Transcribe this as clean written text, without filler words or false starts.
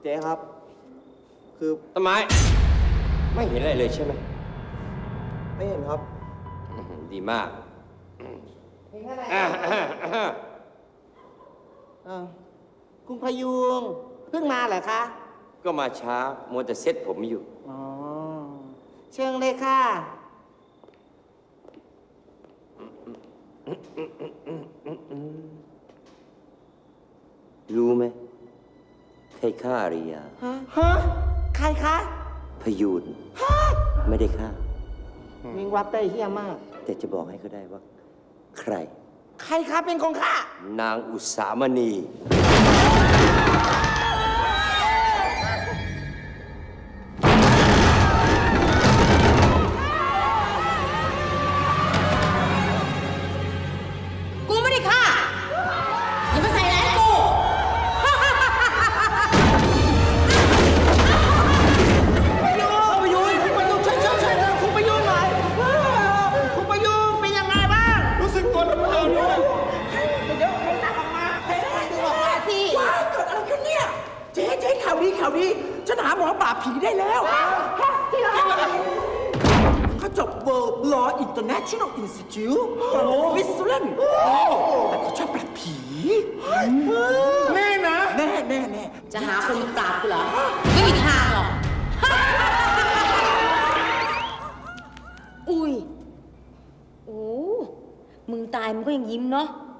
เจ๊ครับ คือต้นไม้ไม่เห็นอะไรเลยใช่ไหมไม่เห็นครับดีมากเห็นอะไรอ่าคุณพยุงเพิ่งมาเหรอคะก็มาช้ามัวแต่เซ็ตผมอยู่อ๋อ เชิญเลยค่ะรู้ไหมใครฆ่าอาริยาฮะ ใครคะพยูนไม่ได้ฆ่าวิงวับได้เฮี้ยมากแต่จะบอกให้เขาได้ว่า ใครใครคะเป็นของข้านางอุสามณีกูไม่ได้ฆ่าอย่ามาใส่ร้ายกูพยุงคุณพยุงช่วยคุณพยุงหน่อยคุณพยุงเป็นยังไงบ้างรู้สึกตัวน้ำเกลือด้วยเดี๋ยวให้ตักออกมาให้ตักออกมาสิว้ายเกิดอะไรขึ้นเนี่ย เจ๊ข่าวดีฉันหาหมอปราบผีได้แล้วจริงเหรอเขาจบ World Law International Institute ของสวิตเซอร์แลนด์แต่เขาชอบปราบผีแน่นะแน่จะหาคนมาปราบกูเหรอ ไม่มีทางหรอก อุ้ย โอ้ มึงตายมึงก็ยังยิ้มเนาะ